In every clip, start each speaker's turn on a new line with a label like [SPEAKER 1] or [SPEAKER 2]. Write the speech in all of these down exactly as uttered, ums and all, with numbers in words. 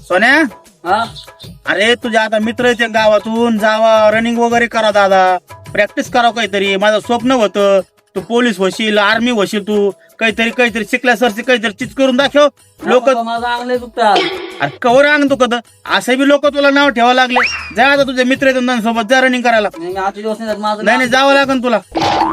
[SPEAKER 1] सोन्या,
[SPEAKER 2] हा
[SPEAKER 1] अरे तुझ्या आता मित्र येते गावातून, जावा रनिंग वगैरे करा दादा, प्रॅक्टिस करा काहीतरी. माझं स्वप्न होतं तू पोलीस होशील, आर्मी होशील, तू काहीतरी काहीतरी शिकल्यासारखी काहीतरी चीज करून दाखव. लोक
[SPEAKER 2] माझा अंगले दुखतात.
[SPEAKER 1] अरे कवर अंग तू कद असे बी लोक तुला नाव ठेवा लागले. जा आता तुझे मित्र येतात सोबत, जा रनिंग करायला.
[SPEAKER 2] नाही, मी आजचे दिवस नाही जात. माझं
[SPEAKER 1] नाही नाही जावं लागेल तुला.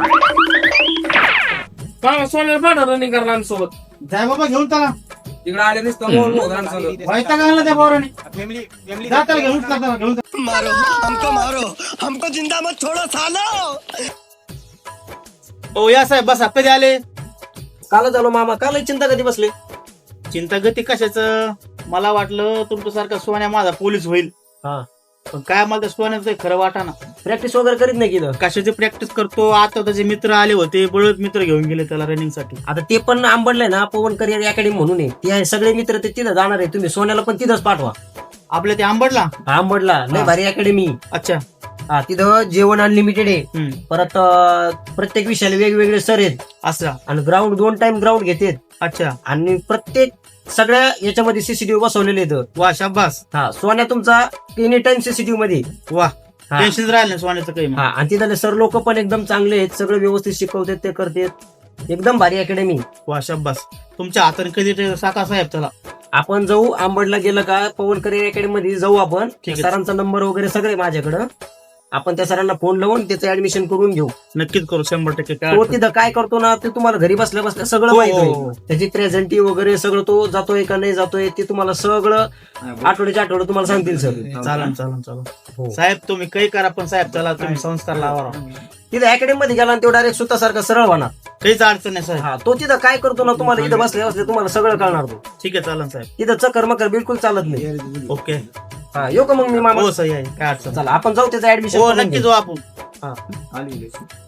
[SPEAKER 3] सोन्याला पाठव रनिंग करायला आमच्यासोबत.
[SPEAKER 1] जाय बाबा घेऊन चला.
[SPEAKER 3] तिकडे आले नसतं
[SPEAKER 1] व्हायचा का त्या पोराने जा त्याला घेऊन चला, त्याला घेऊन चला.
[SPEAKER 4] मारो हमको मारो हमको जिंदा मत छोड़ो सालो.
[SPEAKER 1] ओ या साहेब बसा. कधी आले?
[SPEAKER 5] काल झालो मामा. काल चिंता कधी बसले?
[SPEAKER 1] चिंता गती कशाचं? मला वाटलं तुमच्यासारखा सोन्या माझा पोलीस होईल,
[SPEAKER 5] हा
[SPEAKER 1] पण काय मला त्या सोन्याचं काही खरं वाटा ना.
[SPEAKER 5] प्रॅक्टिस वगैरे करीत नाही की इथं?
[SPEAKER 1] कशाची प्रॅक्टिस करतो. आता त्याचे मित्र आले होते, बळत मित्र घेऊन गेले त्याला रनिंग साठी.
[SPEAKER 5] आता ते पण आंबडलंय ना पवन करिअर अकॅडमी म्हणून आहे. ते आहे सगळे मित्र ते तिथं जाणार आहे. तुम्ही सोन्याला पण तिथंच पाठवा.
[SPEAKER 1] आपल्या ते आंबडला.
[SPEAKER 5] आंबडला लय
[SPEAKER 1] हा.
[SPEAKER 5] भारी अकॅडमी.
[SPEAKER 1] अच्छा.
[SPEAKER 5] हा तिथं जेवण अनलिमिटेड आहे.
[SPEAKER 1] हम्म.
[SPEAKER 5] परत अं, प्रत्येक विषयाला वेगवेगळे सर आहेत
[SPEAKER 1] असं.
[SPEAKER 5] आणि ग्राउंड दोन टाइम ग्राउंड घेतात.
[SPEAKER 1] अच्छा.
[SPEAKER 5] आणि प्रत्येक सगळ्या याच्यामध्ये सीसीटीव्ही बसवलेले आहेत.
[SPEAKER 1] वा शाबास.
[SPEAKER 5] हा सोन्या तुमचा एनी टाइम सीसीटीव्ही मध्ये.
[SPEAKER 1] वा
[SPEAKER 5] हा.
[SPEAKER 1] टेन्शन राहिलं नाही सोन्याचं काही मग.
[SPEAKER 5] हा आणि तिथले सर लोक पण एकदम चांगले आहेत. सगळे व्यवस्थित शिकवतात, ते करतात. एकदम भारी अकॅडमी.
[SPEAKER 1] वा शाबास. तुमच्या हाताने कधी ते साका साहेब त्याला.
[SPEAKER 5] आपण जाऊ आंबडला गेलं का पवन करिअर अकॅडमी मध्ये जाऊ आपण.
[SPEAKER 1] ठीक आहे.
[SPEAKER 5] सरांचा नंबर वगैरे सगळे माझ्याकडं. आपण त्या सरांना फोन लावून त्याचं ऍडमिशन करून घेऊ.
[SPEAKER 1] नक्कीच करू शंभर टक्के. काय
[SPEAKER 5] तो
[SPEAKER 1] अडचण
[SPEAKER 5] तिथं काय करतो ना ते तुम्हाला घरी बसल्या बसल्या सगळं
[SPEAKER 1] हो.
[SPEAKER 5] माहित होईल. त्याची प्रेझेंटी वगैरे सगळं तो जातोय का नाही जातोय ते तुम्हाला सगळं आठवड्याच्या आठवडं तुम्हाला सांगतील सर.
[SPEAKER 1] चालन चालन चालन.
[SPEAKER 5] हो.
[SPEAKER 1] साहेब तुम्ही काही करा, पण साहेब चला तुम्ही संस्कार लावा.
[SPEAKER 5] तिथं अकॅडमी मध्ये गेला आणि तो डायरेक्ट स्वतःसारखा सरळ होणार.
[SPEAKER 1] काहीच अडचण नाही साहेब.
[SPEAKER 5] हा तो तिथं काय करतो ना तुम्हाला इथं बसल्या बसल्या तुम्हाला सगळं कळणार. तो
[SPEAKER 1] ठीक आहे चालन साहेब.
[SPEAKER 5] तिथं चक्कर मकर बिलकुल चालत नाही.
[SPEAKER 1] ओके.
[SPEAKER 5] हा येऊ का मग मी मामा?
[SPEAKER 1] हो सही आहे. काय अडचण
[SPEAKER 5] चला आपण जाऊ त्याचं
[SPEAKER 1] नाही.
[SPEAKER 5] ऍडमिशन.
[SPEAKER 1] हो नक्की जाऊ आपण.
[SPEAKER 5] हा